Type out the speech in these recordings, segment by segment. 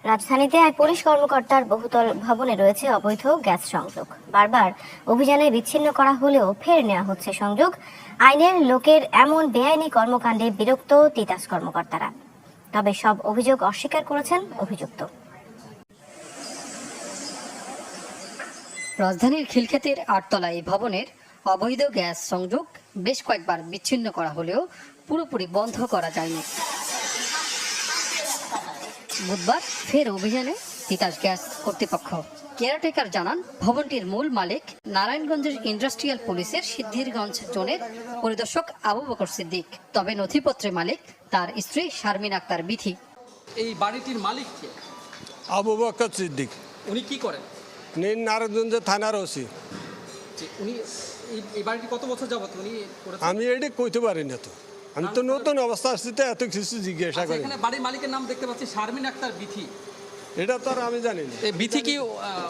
রাজধানীতে এক পুলিশ কর্মকর্তার বহুতল ভবনে রয়েছে অবৈধ গ্যাস সংযোগ। বারবার অভিযানে বিচ্ছিন্ন করা হলেও ফের নেওয়া হচ্ছে সংযোগ। আইনের লোকের এমন বেআইনি কর্মকাণ্ডে বিরক্ত তিতাস কর্মকর্তারা। তবে সব অভিযোগ অস্বীকার করেছেন অভিযুক্ত। রাজধানীর খিলক্ষেতের ৮ তলা এই ভবনের অবৈধ গ্যাস সংযোগ বেশ কয়েকবার বিচ্ছিন্ন করা হলেও পুরোপুরি বন্ধ করা যায়নি। বুধবার ফের অভিযানে তিতাস গ্যাস কর্তৃপক্ষ। কেয়ারটেকার জানান, ভবনটির মূল মালিক নারায়ণগঞ্জের ইন্ডাস্ট্রিয়াল পুলিশের সিদ্ধিরগঞ্জ জোনের পরিদর্শক আবু বকর সিদ্দিক। তবে নথিপত্রে মালিক তার স্ত্রী শারমিন আক্তার বিথি। এই বাড়িটির মালিক কে? আবু বকর সিদ্দিক। উনি কি করেন? নারায়ণগঞ্জ থানার ওসি। উনি এই বাড়িটি কত বছর যাবত উনি করেছেন? আমি এটা কইতে পারি না, তো আমি তো নতুন অবস্থা আসছি, তো এত কিছু জিজ্ঞাসা করি। এখানে বাড়ির মালিকের নাম দেখতে পাচ্ছি শারমিন আক্তার বিথি। এটা তো আর আমি জানি না। এই বিথি কি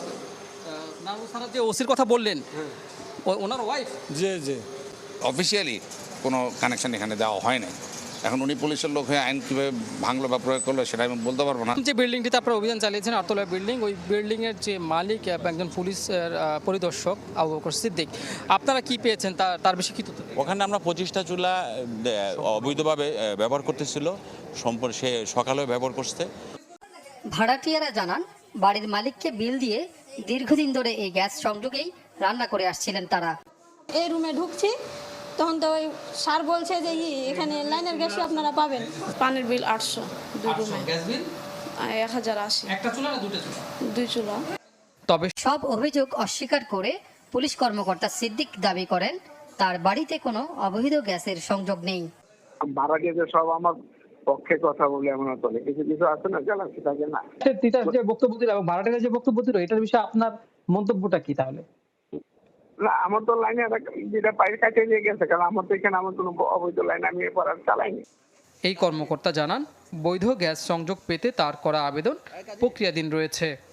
যে ওসির কথা বললেন, ওনার ওয়াইফ? জি জি। অফিসিয়ালি কোনো কানেকশন এখানে দেওয়া হয় না। এখন উনি পুলিশের লোক হয়ে আইন কীভাবে ভাঙলো বা প্রয়োগ করলো সেটা আমি বলতে পারবো না। যে বিল্ডিংটিতে আপনারা অভিযান চালিয়েছেন, আটতলা বিল্ডিং, ওই বিল্ডিংয়ের যে মালিক একজন পুলিশের পরিদর্শক আবু বকর সিদ্দিক, আপনারা কি পেয়েছেন তার বেশি কি তথ্য? ওখানে আমরা 25টা চুলা অবৈধভাবে ব্যবহার করতেছিল, সে সকালেও ব্যবহার করছে। ভাড়াটিয়ারা জানান, বাড়ির মালিককে বিল দিয়ে দীর্ঘদিন ধরে এই গ্যাস সংযোগেই রান্না করে আসছিলেন তারা। এই রুমে ঢুকছি, তখন তো ওই স্যার বলছে যে এখানে লাইনের গ্যাসই আপনারা পাবেন। পানির বিল 800, দুই রুমে। Gas bill 1080। একটা চুলা না দুটো চুলা? দুই চুলা। তবে সব অভিযোগ অস্বীকার করে পুলিশ কর্মকর্তা সিদ্দিক দাবি করেন, তার বাড়িতে কোনো অবৈধ গ্যাসের সংযোগ নেই। ভাড়া গেছে সব আমার পক্ষে কথা বলে এমন চলে, কিছু কিছু আছে না জ্বালাচ্ছি থাকে না। তিতাস যে বক্তব্য দিল এবং ভাড়াটের যে বক্তব্য দিল, এটার বিষয়ে আপনার মন্তব্যটা কি তাহলে? না, আমার তো লাইনে যেটা পায়ের কাছে দিয়ে গেছে, কারণ আমার তো এখানে আমার কোনো অবৈধ লাইন আমি এরপর আর চালাইনি। এই কর্মকর্তা জানান, বৈধ গ্যাস সংযোগ পেতে তার করা আবেদন প্রক্রিয়াধীন রয়েছে।